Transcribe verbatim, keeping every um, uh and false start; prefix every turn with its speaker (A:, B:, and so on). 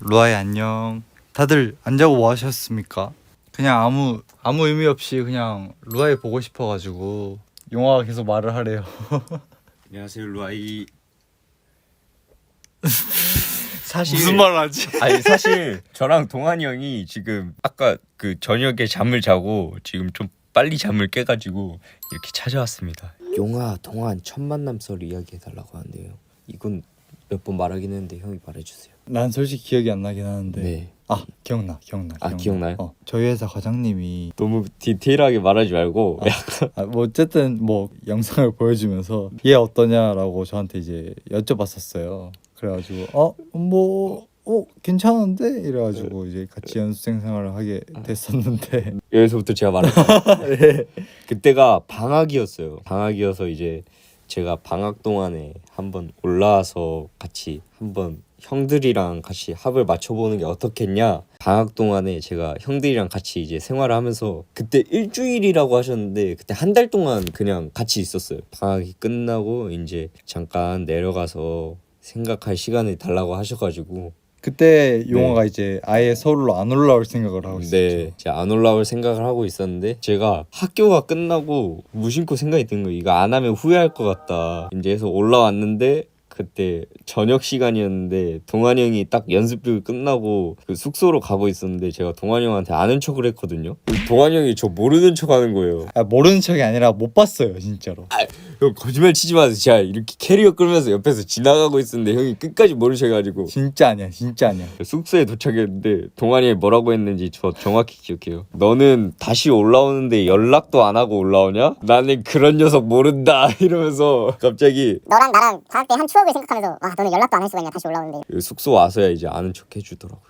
A: 루아이 안녕. 다들 안 자고 뭐 하셨습니까? 그냥 아무 아무 의미 없이 그냥 루아이 보고 싶어가지고 용화가 계속 말을 하래요.
B: 안녕하세요 루아이. 사실
A: 무슨 말을 하지?
B: 아니 사실 저랑 동환이 형이 지금 아까 그 저녁에 잠을 자고 지금 좀 빨리 잠을 깨가지고 이렇게 찾아왔습니다.
C: 용화 동안 첫 만남 썰 이야기해달라고 하는데요. 이건 몇 번 말하긴 했는데 형이 말해주세요.
A: 난 솔직히 기억이 안 나긴 하는데.
C: 네.
A: 아 기억나 기억나.
C: 아,
A: 기억나.
C: 기억나요?
A: 어, 저희 회사 과장님이
C: 너무 디테일하게 말하지 말고
A: 아, 아, 뭐 어쨌든 뭐 영상을 보여주면서 얘 어떠냐라고 저한테 이제 여쭤봤었어요. 그래가지고 어뭐 어 괜찮은데 이래가지고 이제 같이 연습생 생활을 하게 됐었는데
C: 여기서부터 제가 말할게요. 네. 그때가 방학이었어요. 방학이어서 이제 제가 방학 동안에 한번 올라와서 같이 한번 형들이랑 같이 합을 맞춰보는 게 어떻겠냐. 방학 동안에 제가 형들이랑 같이 이제 생활을 하면서 그때 일주일이라고 하셨는데 그때 한 달 동안 그냥 같이 있었어요. 방학이 끝나고 이제 잠깐 내려가서 생각할 시간을 달라고 하셔가지고
A: 그때 용화가 이제 아예 서울로 안 올라올 생각을 하고 있었죠.
C: 네, 제가 안 올라올 생각을 하고 있었는데 제가 학교가 끝나고 무심코 생각이 든 거예요. 이거 안 하면 후회할 것 같다. 이제 해서 올라왔는데 그때 저녁 시간이었는데 동환이 형이 딱 연습비 끝나고 그 숙소로 가고 있었는데 제가 동환이 형한테 아는 척을 했거든요. 동환이 형이 저 모르는 척 하는 거예요.
A: 아, 모르는 척이 아니라 못 봤어요 진짜로.
C: 형 거짓말 치지 마세요. 제가 이렇게 캐리어 끌면서 옆에서 지나가고 있었는데 형이 끝까지 모르셔가지고
A: 진짜 아니야 진짜 아니야.
C: 숙소에 도착했는데 동환이 형이 뭐라고 했는지 저 정확히 기억해요. 너는 다시 올라오는데 연락도 안 하고 올라오냐? 나는 그런 녀석 모른다 이러면서 갑자기
D: 너랑 나랑 방학 때 한 추억을 생각하면서 와 너는 연락도 안 할 수가 있냐 다시 올라오는데
C: 숙소 와서야 이제 아는 척 해주더라고요.